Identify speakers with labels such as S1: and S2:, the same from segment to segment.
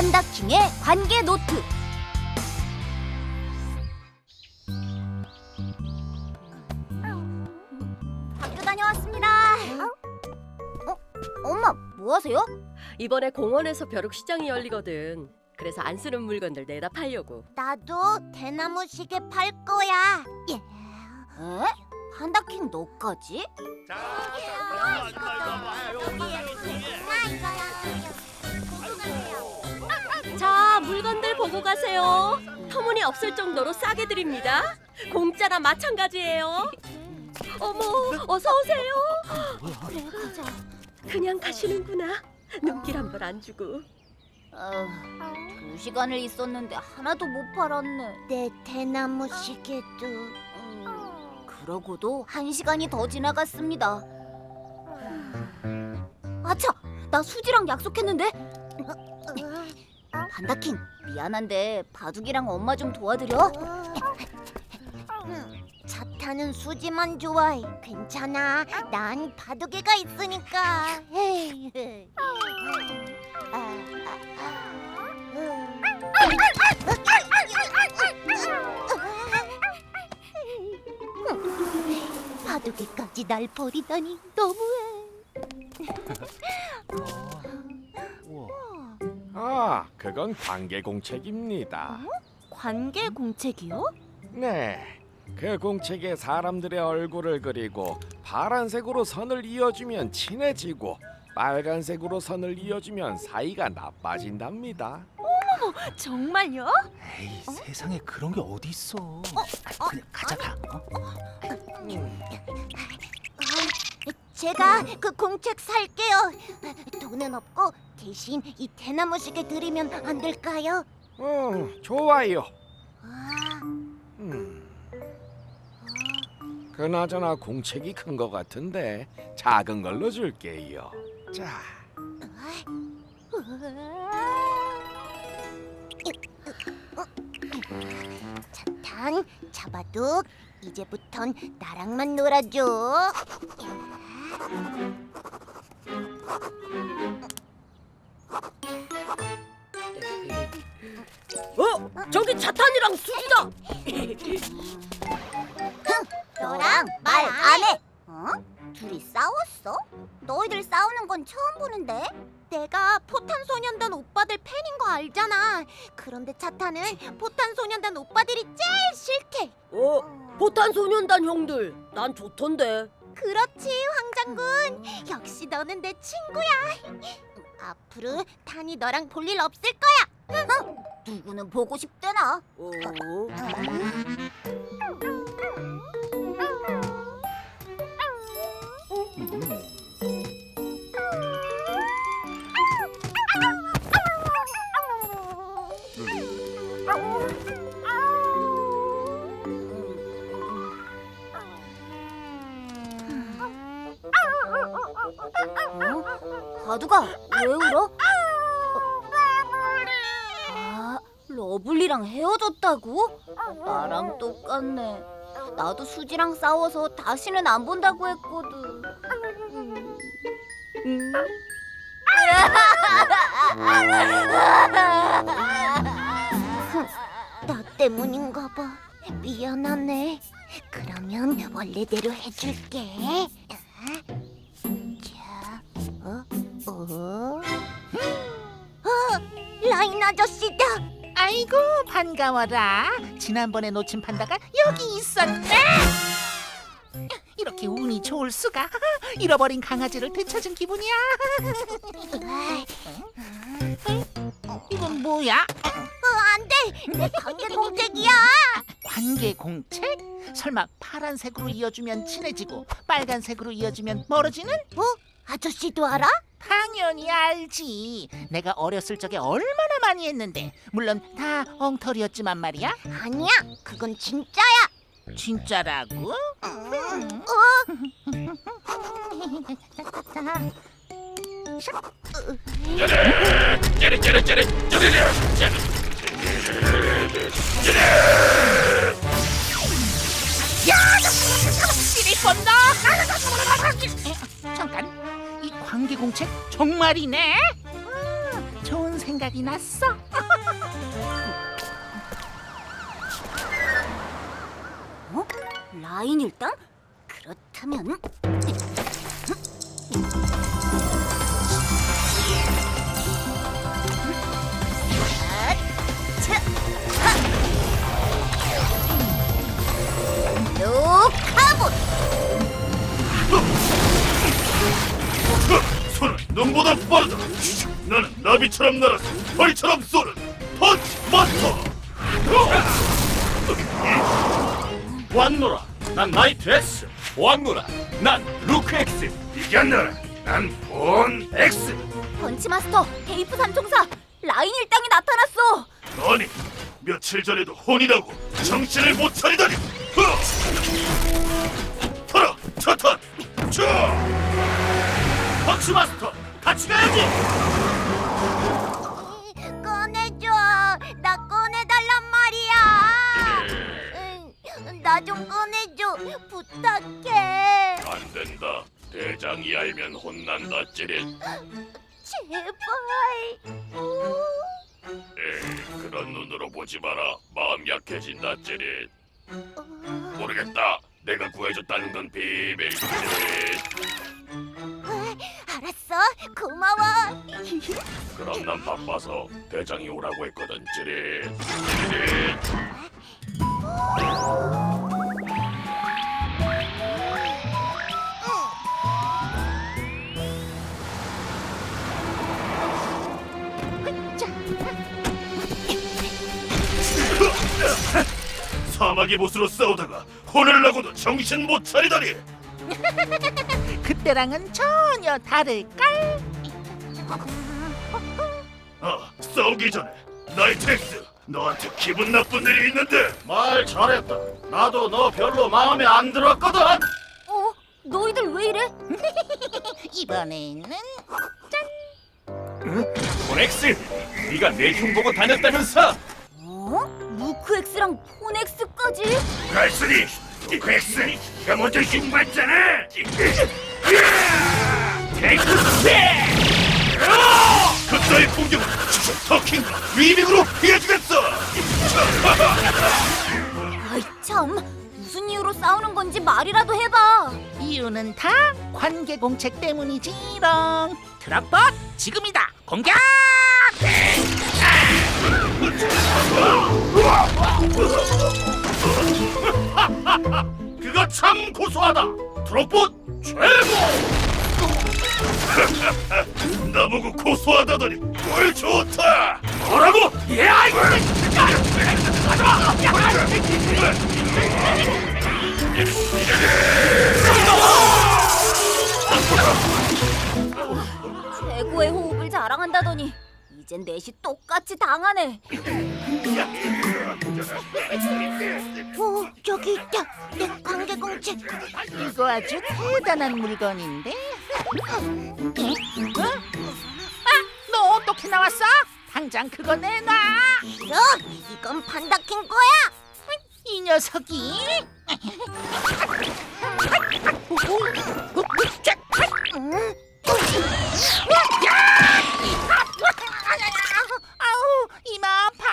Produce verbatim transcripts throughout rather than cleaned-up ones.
S1: 판다킹의 관계 노트. 학교 다녀왔습니다. 어? 엄마, 뭐 하세요?
S2: 이번에 공원에서 벼룩시장이 열리거든. 그래서 안 쓰는 물건들 내다 팔려고.
S1: 나도 대나무 시계 팔 거야. 예. 에? 판다킹 너까지?
S2: 자, 물건들 보고 가세요. 터무니없을 정도로 싸게 드립니다. 공짜나 마찬가지예요. 어머, 어서 오세요.
S1: 그래, 가자.
S2: 그냥 가시는구나. 눈길 한 번 안 주고.
S1: 어, 두 시간을 있었는데 하나도 못 팔았네. 내 대나무 시계도. 음, 그러고도 한 시간이 더 지나갔습니다. 아차! 나 수지랑 약속했는데? 판다킹, 미안한데 바둑이랑 엄마 좀 도와드려. 차 타는 수지만 좋아해. 괜찮아. 난 바둑이가 있으니까. 바둑이까지 날 버리다니 너무해.
S3: 아, 그건 관계 공책입니다.
S1: 관계 공책이요?
S3: 네, 그 공책에 사람들의 얼굴을 그리고 파란색으로 선을 이어주면 친해지고 빨간색으로 선을 이어주면 사이가 나빠진답니다.
S1: 정말요?
S4: 에이, 세상에 그런 게 어디 있어? 아, 그냥 가자 가. 어?
S1: 제가 그 공책 살게요. 돈은 없고 대신 이 대나무 시계 드리면 안 될까요?
S3: 음, 좋아요.
S1: 아,
S3: 음. 그나저나 공책이 큰 것 같은데 작은 걸로 줄게요. 자,
S1: 차탕, 잡아둑, 이제부턴 나랑만 놀아줘.
S2: 어? 저기 차탄이랑 수지다.
S1: 너랑 말 안 해. 어? 둘이 싸웠어? 너희들 싸우는 건 처음 보는데? 내가 포탄소년단 오빠들 팬인 거 알잖아. 그런데 차타는 포탄소년단 오빠들이 제일 싫대.
S2: 어? 포탄소년단 형들, 난 좋던데.
S1: 그렇지, 황장군. 역시 너는 내 친구야. 앞으로 탄이 너랑 볼 일 없을 거야. 어? 누구는 보고 싶대나?
S2: 어?
S1: 어? 바두가 왜 울어? 아, 러블리랑 헤어졌다고? 나랑 똑같네. 나도 수지랑 싸워서 다시는 안 본다고 했거든. 음. 음. 나 때문인가 봐. 미안하네. 그러면 원래대로 해줄게. 자, 어? 어? 어? 라인 아저씨다.
S5: 아이고 반가워라. 지난번에 놓친 판다가 여기 있었네. 이렇게 운이 좋을 수가. 잃어버린 강아지를 되찾은 기분이야. 이건 뭐야?
S1: 어, 안 돼. 내 관계 공책이야.
S5: 관계 공책? 설마 파란색으로 이어주면 친해지고 빨간색으로 이어주면 멀어지는?
S1: 어? 아저씨도 알아?
S5: 당연히 알지. 내가 어렸을 적에 얼마나 많이 했는데. 물론 다 엉터리였지만 말이야.
S1: 아니야. 그건 진짜야.
S5: 진짜라고? 뻔다. 잠깐, 이 관계공책 정말이네. 음, 좋은 생각이 났어.
S1: 어? 라인 일당? 그렇다면 노카봇!
S6: 손은 눈보다 빠르다. 나는 나비처럼 날아서 벌처럼 쏘는 펀치 마스터. 왔노라. 난 나이트 X. 왔노라. 난 루크 X. 이겼노라. 난 본 X.
S1: 펀치마스터, 테이프 삼총사, 라인 일당이 나타났어!
S6: 아니, 며칠 전에도 혼이라고 정신을 못 차리다니. 터라, 차탄, 쳐. 펀치 마스터, 같이 가야지.
S1: 꺼내줘! 나 꺼내달란 말이야! 나 좀 꺼내줘! 부탁해!
S6: 안 된다. 대장이 알면 혼난다, 찌릿.
S1: 제발!
S6: 에이, 그런 눈으로 보지 마라. 마음 약해진다, 찌릿. 모르겠다. 내가 구해줬다는 건 비밀, 찌릿.
S1: 알았어, 고마워!
S6: 그럼 난 바빠서 대장이 오라고 했거든, 찌릿. 찌릿. 사마귀 보스로 싸우다가 혼을 나고도 정신 못 차리다니.
S5: 그때랑은 전혀 다를걸.
S6: 아, 싸우기 전에 나이트 X, 너한테 기분 나쁜 일이 있는데. 말 잘했다. 나도 너 별로 마음에 안 들었거든.
S1: 어? 너희들 왜 이래?
S5: 이번에는
S6: 엑스, 네가 내 흉 보고 다녔다면서?
S1: 어? 루크엑스랑 폰엑스까지?
S6: 갈수니, 엑스, 네가 먼저 흉 봤잖아. 엑스, 그따위 공격은 터킹과 위빙으로 피해주겠어.
S1: 아이 참, 무슨 이유로 싸우는 건지 말이라도 해봐.
S5: 이유는 다 관계 공책 때문이지롱. 트럭봇 지금이다. 공격!
S6: 그거 참 고소하다. 트롯봇 최고. 나보고 고소하다더니 뭘 좋다. 뭐라고? 예, 아이고.
S1: 최고의 호흡을 자랑한다더니 이젠 넷이 똑같이 당하네. 오, 저기 있다. 내 관계 공책.
S5: 이거 아주 대단한 물건인데. 어? 아, 너 어떻게 나왔어? 당장 그거 내놔.
S1: 싫어, 이건 판다킨 거야.
S5: 이 녀석이.
S1: 응?
S5: 아우, 이마 아파.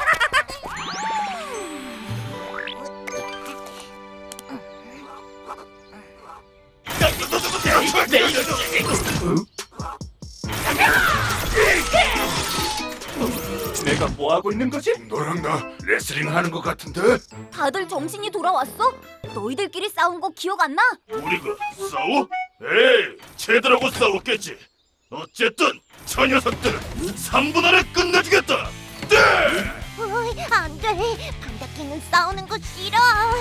S6: 내가 뭐 하고 있는 거지? 너랑 나 레슬링 하는 것 같은데?
S1: 다들 정신이 돌아왔어? 너희들끼리 싸운 거 기억 안 나?
S6: 우리가 싸워? 에이, 쟤들하고 싸웠겠지. 어쨌든 저 녀석들은 삼 분 안에 끝내주겠다. 네!
S1: 어이, 안 돼. 판다킨은 싸우는 거 싫어.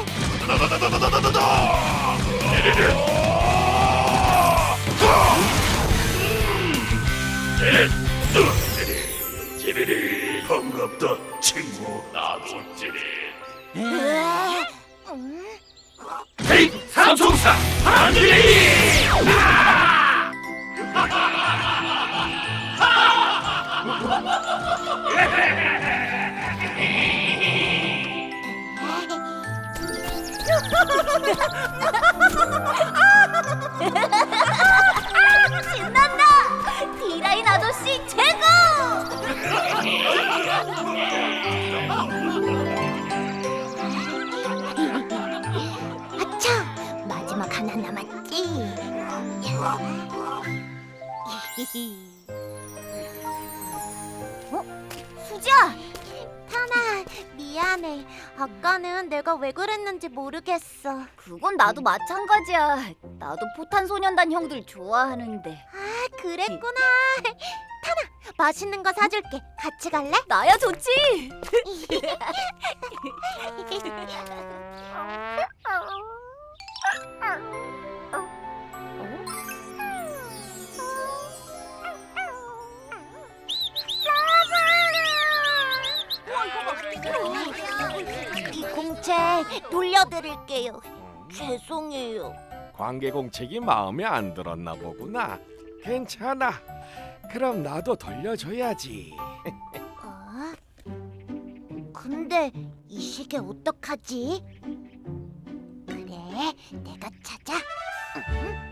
S6: 찌리리 반갑다 친구. 나도 찌리.
S1: 으아, 음.
S6: 헤이 삼총사 한들이.
S1: 신난다. 디라인 아저씨 아저씨 최고! 아차! 마지막 하나 남았지. 어? 수지야! 타나, 미안해. 아까는 내가 왜 그랬는지 모르겠어. 그건 나도 마찬가지야. 나도 포탄소년단 형들 좋아하는데. 아, 그랬구나. 타나, 맛있는 거 사줄게. 같이 갈래? 나야 좋지. 이 공책 돌려드릴게요. 죄송해요.
S3: 관계 공책이 마음에 안 들었나 보구나. 괜찮아. 그럼 나도 돌려줘야지.
S1: 어? 근데 이 시계 어떡하지? 그래, 내가 찾아. 응?